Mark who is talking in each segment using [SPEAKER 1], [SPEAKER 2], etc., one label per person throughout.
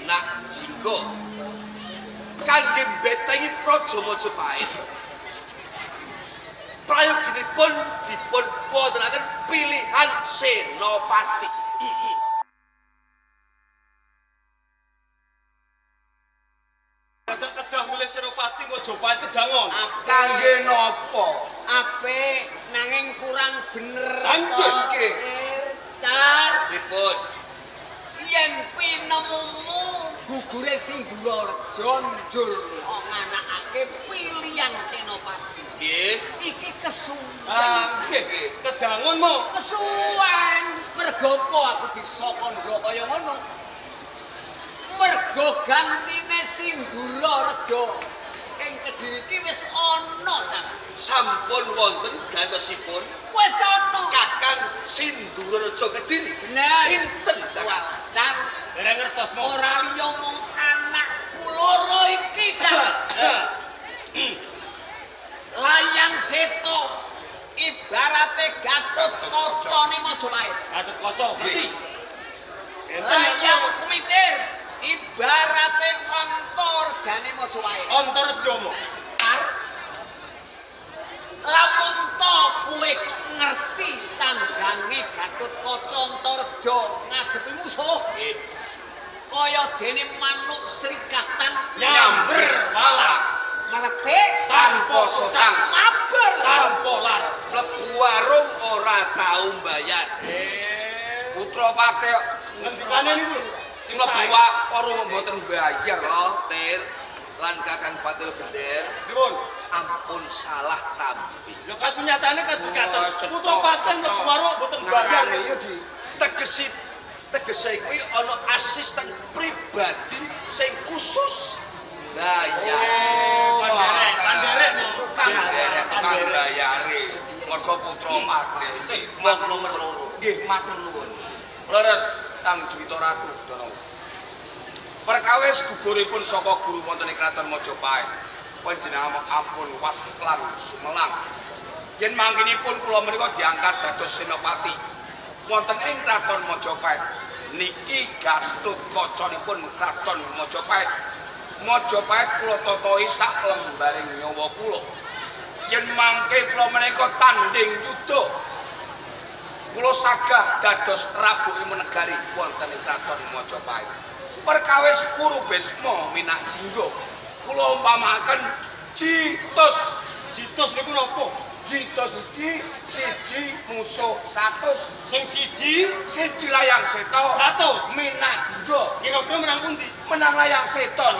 [SPEAKER 1] Minak Jinggo kangge mbetengi Praja Majapahit. Prayoginipun dipun wontenaken pilihan senopati.
[SPEAKER 2] Kedah milih senopati Majapahit kedangon.
[SPEAKER 3] Kangge napa?
[SPEAKER 4] Apik nanging kurang bener.
[SPEAKER 3] Lanjut nggih.
[SPEAKER 4] Tar
[SPEAKER 1] Pripun?
[SPEAKER 4] yen pinemumu gugure Sindurareja njur nganakake pilihan senopati.
[SPEAKER 1] Nggih.
[SPEAKER 4] Iki
[SPEAKER 2] Nggih
[SPEAKER 4] kesuwen.
[SPEAKER 2] nggih. Kedangon mo.
[SPEAKER 4] Kesuwen mergo apa aku bisa kandha kaya ngono. Mergo gantine Sindurareja ing Kediri iki wis ana, Cak.
[SPEAKER 1] Sampun wonten gantosipun
[SPEAKER 4] Wis ana.
[SPEAKER 1] Kakang Sindurareja Kediri.
[SPEAKER 4] Bener.
[SPEAKER 1] Sinten Kakang?
[SPEAKER 4] Cak.
[SPEAKER 2] Dereng ngertos mo.
[SPEAKER 4] Ora liya mung anakku loro iki, Cak. Layang Seto ibarate Gatut Kacane Majapahit.
[SPEAKER 2] Gatut Kaca ngerti.
[SPEAKER 4] Layang Kumitir ibarate Antarjane Majapahit.
[SPEAKER 2] Antarja mo.
[SPEAKER 4] Ar lamun to kowe kok ngerti tandhange Gatut Kaca Antarja ngadepi musuh.
[SPEAKER 1] Nggih.
[SPEAKER 4] Kaya dene manuk srikatan
[SPEAKER 2] Nyamber malah
[SPEAKER 4] meletik
[SPEAKER 2] tanpa sotang.
[SPEAKER 4] mabar
[SPEAKER 2] Tanpa lar.
[SPEAKER 1] Mlebu warung ora tau mbayar.
[SPEAKER 3] Putra Pati kok
[SPEAKER 2] Ngendikane niku lho. Sing
[SPEAKER 3] mlebu
[SPEAKER 2] sae.
[SPEAKER 3] warung mboten bayar.
[SPEAKER 1] Oh, Tir lan Kakang Patil Geder
[SPEAKER 2] Pripun?
[SPEAKER 1] ampun salah tampi.
[SPEAKER 2] Lho kasunyatane kados katen.
[SPEAKER 3] Cetha.
[SPEAKER 2] Putra paten mlebu warung mboten bayar.
[SPEAKER 3] Ngarane ya di
[SPEAKER 1] Tegese kuwi ana asisten pribadi sing khusus bayar.
[SPEAKER 2] Panderek mo.
[SPEAKER 4] Tukang
[SPEAKER 3] derek tukang
[SPEAKER 2] Panderek.
[SPEAKER 3] bayare. Mergo Putra Pati.
[SPEAKER 1] Mok nomor loro.
[SPEAKER 3] Nggih, matur nuwun. Leres Kang Dwita Ratu Dana. Perkawis guguripun saka guru wonten ing Kraton Majapahit. Panjenengan ampun was lan sumelang. Yen mangkinipun kula menika diangkat dados senopati wonten ing Kraton Majapahit. Niki Gatut Kacanipun Kraton Majapahit. Majapahit kula totohi sak lembaring nyawa kula. Yen mangke kula menika tanding yuda kula sagah dados Rabu Menegari wonten ing Kraton Majapahit. Perkawis Purubesma Minak Jinggo kula umpamaken Jitos.
[SPEAKER 2] Jitos niku napa?
[SPEAKER 3] Jitos iki siji musuh 100.
[SPEAKER 2] Sing siji
[SPEAKER 3] Siji Layang Seto
[SPEAKER 2] 100.
[SPEAKER 3] Minak Jinggo
[SPEAKER 2] Kira-kira menang pundi?
[SPEAKER 3] menang Layang Seto.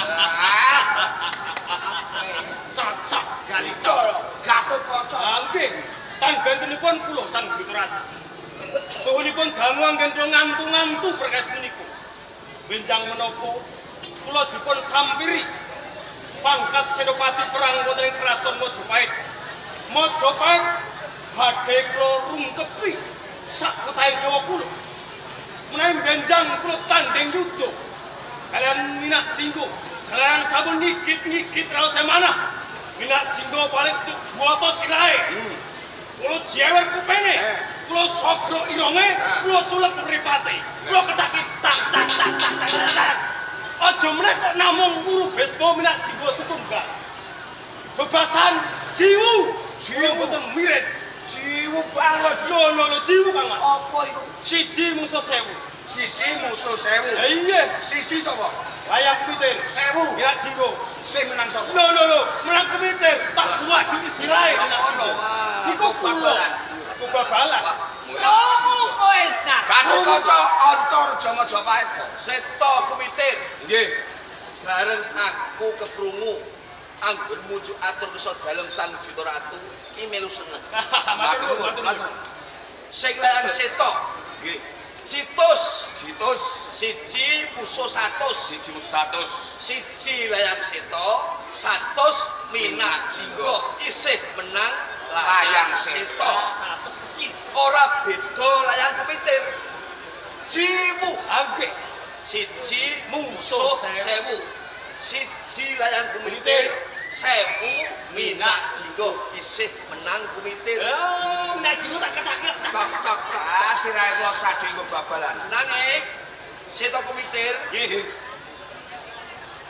[SPEAKER 2] Cocok kali cocok.
[SPEAKER 3] Coro Gatut Kaca.
[SPEAKER 2] Nggih. Tan bentenipun kula Sang Dwita Ratu. Suhunipun dangu anggen kula ngantu-ngantu perkawis menika. Benjang menapa kula dipun sampiri pangkat senopati perang wonten ing Kraton Majapahit. Majapahit badhe kula rungkepi sak ketahe nyawa kula. Menawi benjang kula tanding yuda kalian Minak Jinggo. Jalaran sampun nyigit-nyigit raos semana. Minak Jinggo paling tuk juwata sirahe. Kula jewer kupenge. Kula sogro ironge, kula culek mripate. Kula kedaki tak tak tak tak tak tak. Aja meneh kok namung Purubesma Minak Jinggo setunggal. Bebasan jiwu. Jiwu mboten miris.
[SPEAKER 3] Jiwu banget.
[SPEAKER 2] Lho jiwu Kang Mas.
[SPEAKER 3] Apa iku?
[SPEAKER 2] Siji musuh 1000.
[SPEAKER 3] Siji musuh 1000.
[SPEAKER 2] Lah iya,
[SPEAKER 3] Siji sapa?
[SPEAKER 2] Layang Kumitir.
[SPEAKER 3] 1000.
[SPEAKER 2] Minak Jinggo.
[SPEAKER 3] Sing menang sapa?
[SPEAKER 2] Lho, menang Kumitir. Tak suwadu sirahe Minak Jinggo. Niku kula. Babalan.
[SPEAKER 4] Oh, kowe Cak.
[SPEAKER 3] Gatut Kaca Antarja Majapahit.
[SPEAKER 1] Seto Kumitir
[SPEAKER 3] Nggih.
[SPEAKER 1] bareng aku keprungu anggon muju atur kesa dalem Sang Dwita Ratu ki melu seneng.
[SPEAKER 2] Matur nuwun.
[SPEAKER 1] Sing Layang Seto
[SPEAKER 3] Nggih.
[SPEAKER 1] Jitos
[SPEAKER 3] Jitos
[SPEAKER 1] siji musuh 100.
[SPEAKER 3] siji musuh 100.
[SPEAKER 1] Siji Layang Seto 100 Minak Jinggo isih menang Layang Seto.
[SPEAKER 2] Satu kecil.
[SPEAKER 1] Ora beda Layang Kumitir. Jiwu
[SPEAKER 2] Nggih.
[SPEAKER 1] siji
[SPEAKER 2] Musuh
[SPEAKER 1] musuh 1000. Siji Layang Kumitir 1000 Minak Jinggo isih menang Kumitir.
[SPEAKER 2] Minak Jinggo tak ketak.
[SPEAKER 3] Ah, sirahe kula sadhe nggo babalan.
[SPEAKER 1] Nanging Seto Kumitir
[SPEAKER 2] Nggih.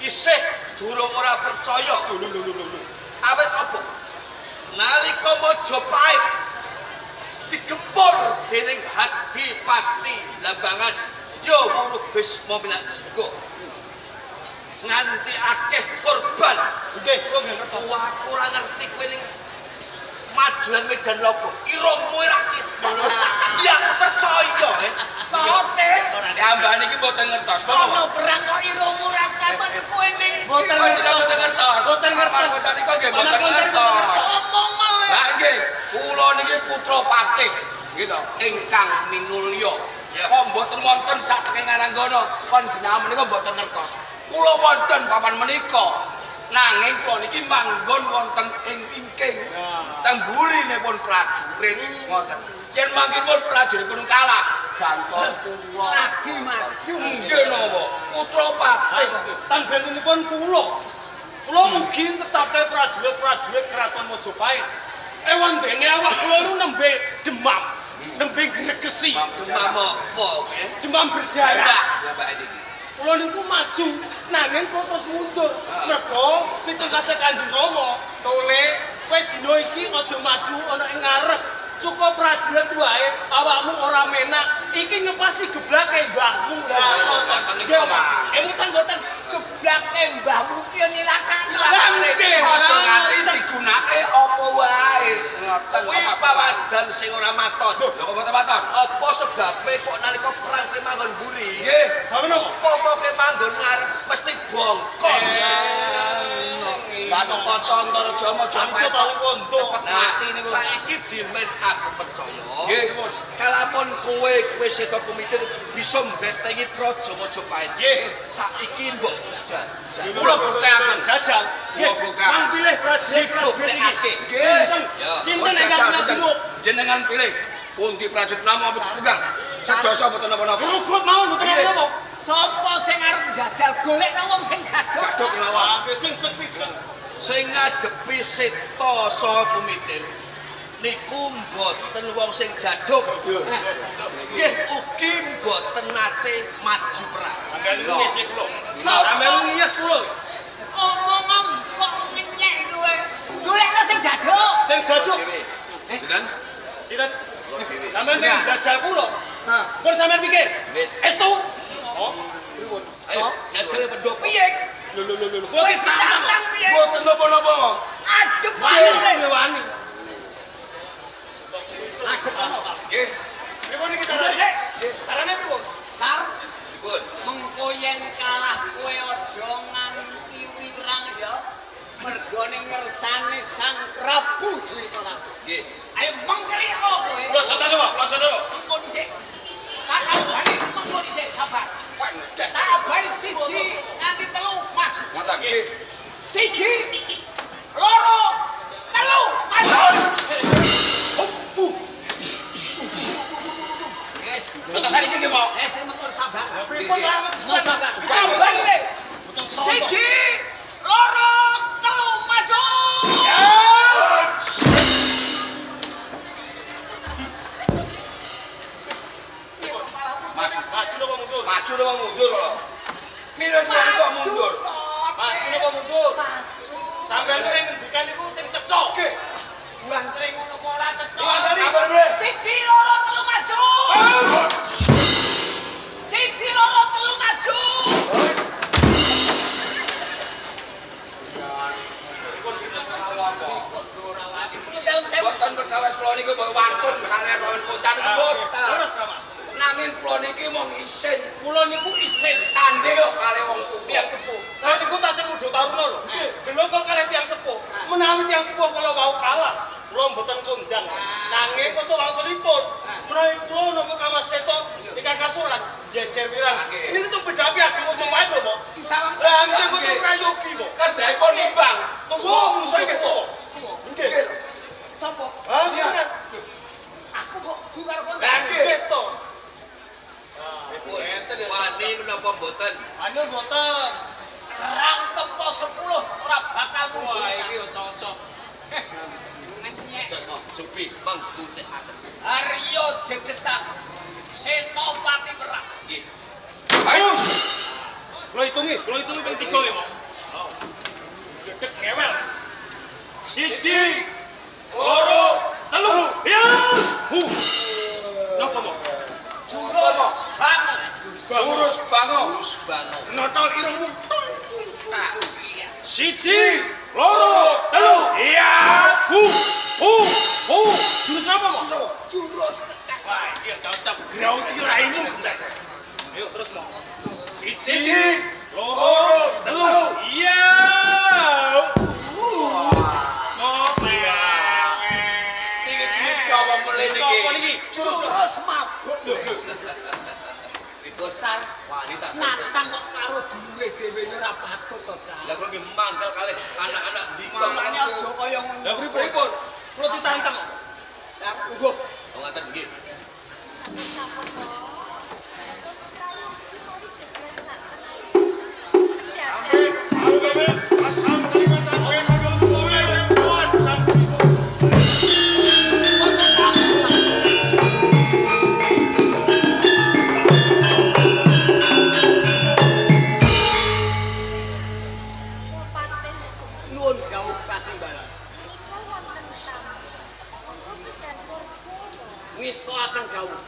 [SPEAKER 1] isih durung ora percaya. Awit apa? Nalika Majapahit digempur dening Adipati Lambangan ya Wuruh Bisma Minajika. Nganti akeh korban.
[SPEAKER 2] Nggih, kula nggih ngertos.
[SPEAKER 1] Wah, aku ora ngerti kowe ning majulan Medan Logo. Iramu ora ketok. Ya aku percaya,
[SPEAKER 4] Totir.
[SPEAKER 3] Ambane iki mboten ngertos.
[SPEAKER 4] Ono perang kok iramu ra katon kowe ning.
[SPEAKER 2] Mboten
[SPEAKER 3] Mboten ngertos.
[SPEAKER 2] Mboten ngertos.
[SPEAKER 3] Mboten niki nggih mboten ngertos.
[SPEAKER 4] Omong malah.
[SPEAKER 3] Lah nggih, kula niki putra patih gitu ingkang minulya. Kok mboten wonten sak tenging Aranggana, panjenengan menika mboten ngertos. Kula wonten papan menika. Nanging kula niki manggon wonten ing ingking. Temburinipun prajurit ngoten. Yen mangkipun prajuritipun kalah, gantos kula.
[SPEAKER 4] Lagi maju.
[SPEAKER 3] Nggih napa? Putra patih.
[SPEAKER 2] Tangganipun kula. Kula mugi tetapke prajurit-prajurit Kraton Majapahit. Ewan dene awak kula nu nembe demam, nembe gregesi,
[SPEAKER 1] Demam apa kowe?
[SPEAKER 2] demam berdarah.
[SPEAKER 3] Ya Pak niki.
[SPEAKER 2] Kula niku maju, nanging kula terus mundur. Mergo pitungase Kanjeng Rama, tole kowe dina iki aja maju ana ing ngarep. Cukup prajurit wae, awakmu ora menak. Iki ngepasi geblake mbahmu.
[SPEAKER 3] Ngoten niku, Pak.
[SPEAKER 2] Emutan mboten
[SPEAKER 4] Geblake mbahmu ki yo nilakake.
[SPEAKER 3] Aja nganti digunake apa wae. Ngoten
[SPEAKER 1] Kuwi pawadan sing ora maton.
[SPEAKER 3] Lho kok mboten maton?
[SPEAKER 1] Apa sebabe kok nalika perang kowe manggon mburi?
[SPEAKER 3] Nggih.
[SPEAKER 2] Apa napa?
[SPEAKER 1] Apa kowe manggon ngarep mesti bongkok.
[SPEAKER 3] Batu Kocondor Jama
[SPEAKER 2] Jancuk paling wontok.
[SPEAKER 1] Nah,
[SPEAKER 3] mati niku.
[SPEAKER 1] saiki dimen aku percaya.
[SPEAKER 3] Nggih.
[SPEAKER 1] Kalamun kowe seta kumitir bisa mbetengi Praja Majapahit.
[SPEAKER 2] Nggih.
[SPEAKER 1] Saiki mbok jajal.
[SPEAKER 3] Kula buktekaken.
[SPEAKER 2] Jajal.
[SPEAKER 3] Kula buktekaken.
[SPEAKER 2] Mang pilih prajurit-prajurit iki.
[SPEAKER 1] Dibuktekake.
[SPEAKER 3] Nggih.
[SPEAKER 2] Sinten ingkang nabung?
[SPEAKER 3] Jenengan pilih pundi prajurit nama apa sedang. Sedoso mboten napa-napa.
[SPEAKER 2] Rugut mawon mboten napa.
[SPEAKER 4] Sapa sing arep njajal golekno wong sing gadok?
[SPEAKER 3] Gadok mawon.
[SPEAKER 2] Wah, sing sekti sekali.
[SPEAKER 1] Sing ngadepi seta saha kumitir niku mboten wong sing jaduk. Nggih ugi mboten nate maju perang.
[SPEAKER 2] Anggali ngecek kula. Sampeyan ngiyes kula.
[SPEAKER 4] Omong kok ngenyek kowe. Golekno sing gadok.
[SPEAKER 2] Sing jaduk.
[SPEAKER 3] Sinten?
[SPEAKER 2] Sinten?
[SPEAKER 1] Kula dhewe.
[SPEAKER 2] Sampeyan ning jajal kula.
[SPEAKER 4] Hah.
[SPEAKER 2] Pun sampeyan pikir.
[SPEAKER 1] Wis.
[SPEAKER 2] Estu. Oh, pripun?
[SPEAKER 1] Ayo, jajal pendhop.
[SPEAKER 4] Piye?
[SPEAKER 2] Lho.
[SPEAKER 4] Kowe ditantang piye?
[SPEAKER 3] Mboten napa-napa.
[SPEAKER 4] Adep
[SPEAKER 2] Wani
[SPEAKER 4] wae.
[SPEAKER 2] wani.
[SPEAKER 4] Adep ono.
[SPEAKER 3] Nggih.
[SPEAKER 2] Pripun iki
[SPEAKER 4] Terus
[SPEAKER 2] carane?
[SPEAKER 4] sik,
[SPEAKER 2] Carane pripun?
[SPEAKER 4] Tar
[SPEAKER 1] Pripun?
[SPEAKER 4] mengko yen kalah kowe aja nganti wirang ya. Mergo ning ngersane Sang Prabu Jwitara.
[SPEAKER 1] Nggih.
[SPEAKER 4] Ayo mengkeri kowe.
[SPEAKER 2] Kula jatah coba, kula jatah.
[SPEAKER 4] Mengko dhisik. Tak abani mengko dhisik sabar. Tak abani siji nganti telu maju.
[SPEAKER 3] Ngoten nggih.
[SPEAKER 4] Siji, loro, telu, maju. Yes.
[SPEAKER 3] Contoh saniki nggih, Pak.
[SPEAKER 4] Wis mengko sabar.
[SPEAKER 2] Pripun banget
[SPEAKER 4] Sabar.
[SPEAKER 2] sabar.
[SPEAKER 4] Tambah iki.
[SPEAKER 2] Betul sono.
[SPEAKER 4] Siji, loro, telu, maju.
[SPEAKER 3] Maju.
[SPEAKER 2] Maju napa mundur?
[SPEAKER 3] Maju napa mundur kok? Milih kula niku kok mundur.
[SPEAKER 2] Maju napa mundur? Sampeyan ning ngendikan niku sing cetha.
[SPEAKER 3] Nggih.
[SPEAKER 4] Bulan tring ngono kok ora cetha.
[SPEAKER 2] Diwandani.
[SPEAKER 3] Sabar, Bre.
[SPEAKER 4] Siji, loro, telu, maju. Siji, loro, telu, maju. Itu dalam saya
[SPEAKER 3] Mboten perkawis kula niku mboten wantun kalian lawan kocan mboten.
[SPEAKER 2] Terus ra, Mas.
[SPEAKER 3] Nanging kula niki mung isin
[SPEAKER 2] Kula niku isin
[SPEAKER 3] tandhe kok kali wong tuwa.
[SPEAKER 2] tiang sepuh. Lah niku tasih muda taruna lho. Delokol kalih tiang sepuh. Menawi tiang sepuh kula wau kalah, kula mboten kondang. Nanging kok wangsulipun. Menawi kula napa Kamas Seto ingkang kasuran jejer pirang. Ini itu beda piagam Majapahit lho, Pak.
[SPEAKER 4] salam.
[SPEAKER 2] Lah nggih mboten prayogi kok.
[SPEAKER 3] Kejaipun nimbang.
[SPEAKER 2] Tunggu musuh iki to. Nggih.
[SPEAKER 4] Sopo?
[SPEAKER 2] Ah, jenengan.
[SPEAKER 4] Aku kok duwe karo
[SPEAKER 2] Lah nggih to.
[SPEAKER 1] Pripun? Wani menapa mboten?
[SPEAKER 2] Anu mboten.
[SPEAKER 4] Rang tepo 10 ora bakal mundur.
[SPEAKER 2] Wah, iki yo cocok.
[SPEAKER 4] Ngenyek.
[SPEAKER 1] Joko Jupi mangkutekaken.
[SPEAKER 4] Aryo jejetak Senopati Perang.
[SPEAKER 1] Nggih.
[SPEAKER 3] Ayo.
[SPEAKER 2] Kula hitungi ping 3 ya, Pak. Gedeg gewel. 1, 2, 3. Ya. Napa, Pak?
[SPEAKER 4] Jurus banget.
[SPEAKER 3] Jurus bango.
[SPEAKER 1] Terus bangun.
[SPEAKER 2] Notol irungmu. 1, 2, 3. Iya. Jurus apa, Pak?
[SPEAKER 4] Jurus
[SPEAKER 2] Wah, iya cocok. Graut iraimu. Ayo terus, Pak. 1, 2, 3. Iya. Ngopo ya?
[SPEAKER 3] Iki jurus apa mulai
[SPEAKER 2] Apa
[SPEAKER 3] niki?
[SPEAKER 2] niki?
[SPEAKER 4] jurus mabuk.
[SPEAKER 1] Bocah wanita.
[SPEAKER 4] Natang kok karo dulure dhewe ora patut to, Cak.
[SPEAKER 1] Lah kok iki mangkel kalih anak-anak ndika.
[SPEAKER 4] Makane aja kaya ngono.
[SPEAKER 2] Lah pripun? Kula ditantang kok.
[SPEAKER 4] Ya, ugo.
[SPEAKER 1] Oh ngaten nggih.
[SPEAKER 4] Wonten tamu sak. Nuwun dawuh katimbalan. Ngestoaken dawuh.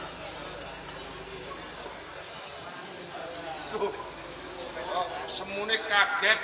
[SPEAKER 3] Semune kaget.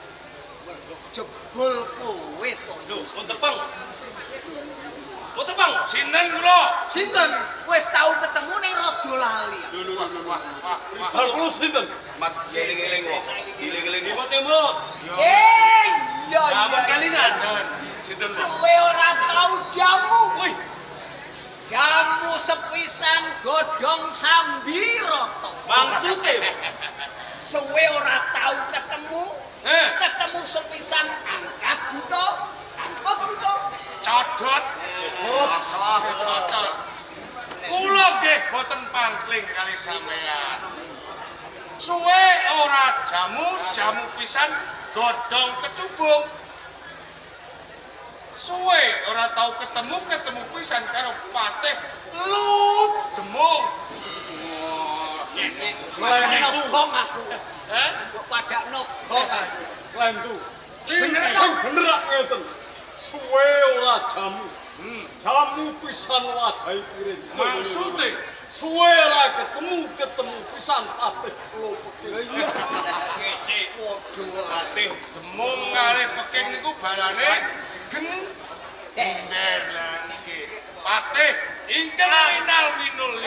[SPEAKER 4] Jebul kowe to.
[SPEAKER 2] Lho, pun tepang. Oh tepang.
[SPEAKER 3] Sinten kula?
[SPEAKER 2] Sinten?
[SPEAKER 4] Wis tau ketemu ning rada lali.
[SPEAKER 3] Wah.
[SPEAKER 2] Hal kula sinten?
[SPEAKER 3] Mat eling-eling kok. Eling-eling.
[SPEAKER 2] Timur.
[SPEAKER 4] Iya
[SPEAKER 2] Aman
[SPEAKER 4] iya.
[SPEAKER 2] kalinan.
[SPEAKER 3] Sinten?
[SPEAKER 4] Suwe ora tau jamu.
[SPEAKER 2] Wih,
[SPEAKER 4] Jamu sepisan godhong sambiroto.
[SPEAKER 2] maksudnya
[SPEAKER 4] Suwe ora tau ketemu. Ketemu sepisan angkat buto. Angkat buto.
[SPEAKER 3] Codot. Cocok. Kula nggih boten pangkling kali sampean. Suwe ora jamu pisan godhong kecubung. Suwe ora tau ketemu pisan karo patih lut demung.
[SPEAKER 4] Pada nobong aku.
[SPEAKER 3] Eh?
[SPEAKER 4] Pada nobong aku.
[SPEAKER 5] Lentu.
[SPEAKER 4] Bener
[SPEAKER 5] Sing bener ak ngeten. Suwe ora jamu. Jamu pisan wadahi piring.
[SPEAKER 3] Maksude
[SPEAKER 5] suwe ora ketemu pisan ate kula peking.
[SPEAKER 4] Iya.
[SPEAKER 2] ngece.
[SPEAKER 4] Waduh.
[SPEAKER 2] Ate.
[SPEAKER 3] demung kalih peking niku balane
[SPEAKER 4] Eh.
[SPEAKER 3] gender lah niki. Patih ingkang minal minul